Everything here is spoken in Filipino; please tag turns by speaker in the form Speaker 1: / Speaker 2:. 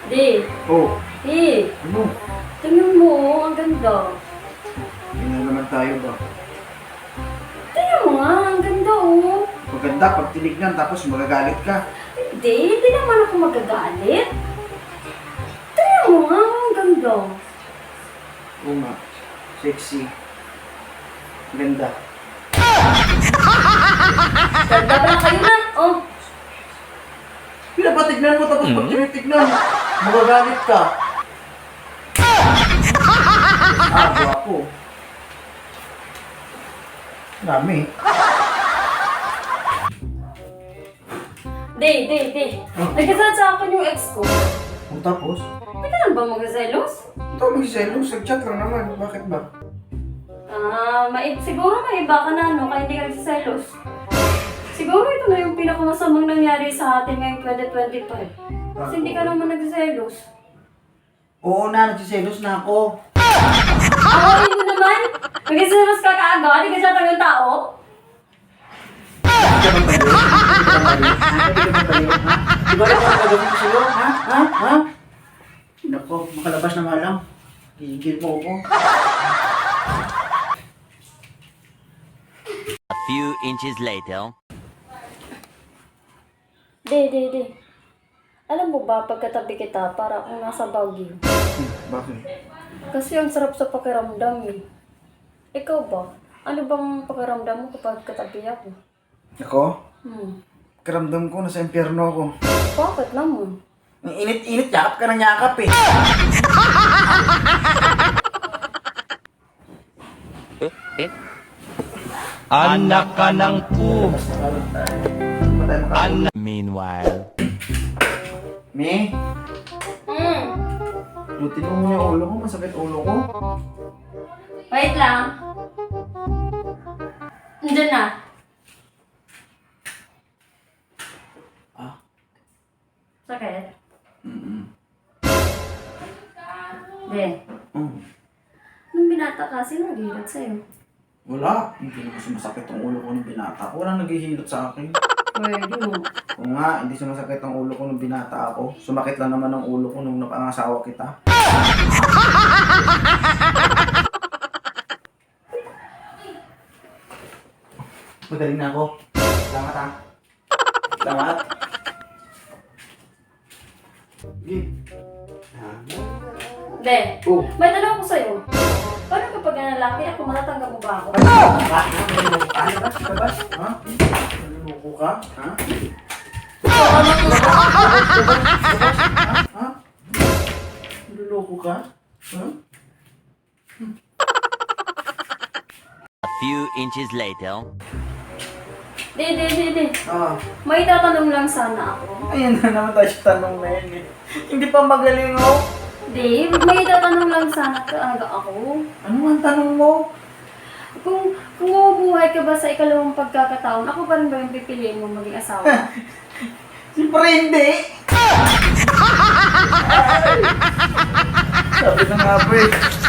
Speaker 1: Di.
Speaker 2: Oh,
Speaker 1: Di.
Speaker 2: ano?
Speaker 1: Tingnan mo, ang ganda.
Speaker 2: Tingnan naman tayo ba?
Speaker 1: Tingnan mo nga, ang ganda oh.
Speaker 2: Maganda pag tinignan tapos magagalit ka.
Speaker 1: Hindi naman ako magagalit. Tingnan mo nga, ang ganda.
Speaker 2: Oo nga. Sexy. Ganda.
Speaker 1: Ganda pala kayo na. Oh,
Speaker 2: Pinapatignan mo tapos pag tinitignan, magagalit ka. Gwapo. Dami.
Speaker 1: di. Nagkasal sa akin yung ex ko.
Speaker 2: O tapos?
Speaker 1: Hindi ka lang ba magsaselos?
Speaker 2: Ito mag-selos, nag-chat lang naman. Bakit ba?
Speaker 1: Siguro may iba ka na, no? Kaya hindi ka nagsaselos. Siguro ito na yung pinakamasamang nangyari sa atin ngayong 2025. Kasi hindi ka naman nagsaselos.
Speaker 2: Oo na, nagsiselos na ako.
Speaker 1: Ako mo naman? Nagsaselos ka kaagad? Hindi ka siya talagang tao?
Speaker 2: Di ba rin ako gagawin ko sa'yo? Ha? Nako, makalabas na nga lang. Gigil mo ako.
Speaker 3: A few inches later.
Speaker 1: Di. Alam mo ba, pagkatabi kita, para akong nasa Baguio.
Speaker 2: Bakit?
Speaker 1: Kasi ang sarap sa pakiramdam eh. Ikaw ba? Ano bang pakiramdam mo kapag katabi ako?
Speaker 2: Ako?
Speaker 1: Karamdam
Speaker 2: ko nasa impyerno ako.
Speaker 1: Bakit naman?
Speaker 2: Ang init-init, yakap ka ng yakap eh.
Speaker 3: Anak ka ng pu. Meanwhile.
Speaker 2: Me? Lutin mo muna yung ulo ko, masakit ulo ko.
Speaker 1: Wait lang. Nandiyan na. Sakit? Di. Nung binata kasi, naghihilot sa'yo.
Speaker 2: Wala. Hindi na kasi masakit ang ulo ko nung binata ko. Walang naghihilot sa akin.
Speaker 1: Pwede mo.
Speaker 2: Oo nga, hindi sumasakit ang ulo ko nung binata ako. Sumakit lang naman ang ulo ko nung napangasawa kita. Magaling na ako. Salamat ha. Salamat. Sige.
Speaker 1: Di.
Speaker 2: Oh.
Speaker 1: May tanong ko sa'yo. Paano kapag lalaki ako, matatanggap mo ba ako?
Speaker 2: Labas? Ha? Naluloko ka? Ha? Ha? Naluloko ka? Ha?
Speaker 3: A few inches later.
Speaker 1: Di.
Speaker 2: Ah.
Speaker 1: May tatanong lang sana ako.
Speaker 2: Ayan na naman tayo sa tanong na yun eh. Hindi pa magaling oh.
Speaker 1: Di, may tatanong lang sana talaga ako.
Speaker 2: Ano ang tanong mo?
Speaker 1: Kung mabubuhay ka ba sa ikalawang pagkakataon, ako pa rin ba yung pipiliin mo maging asawa?
Speaker 2: Siyempre hindi. Sabi na nga ba eh.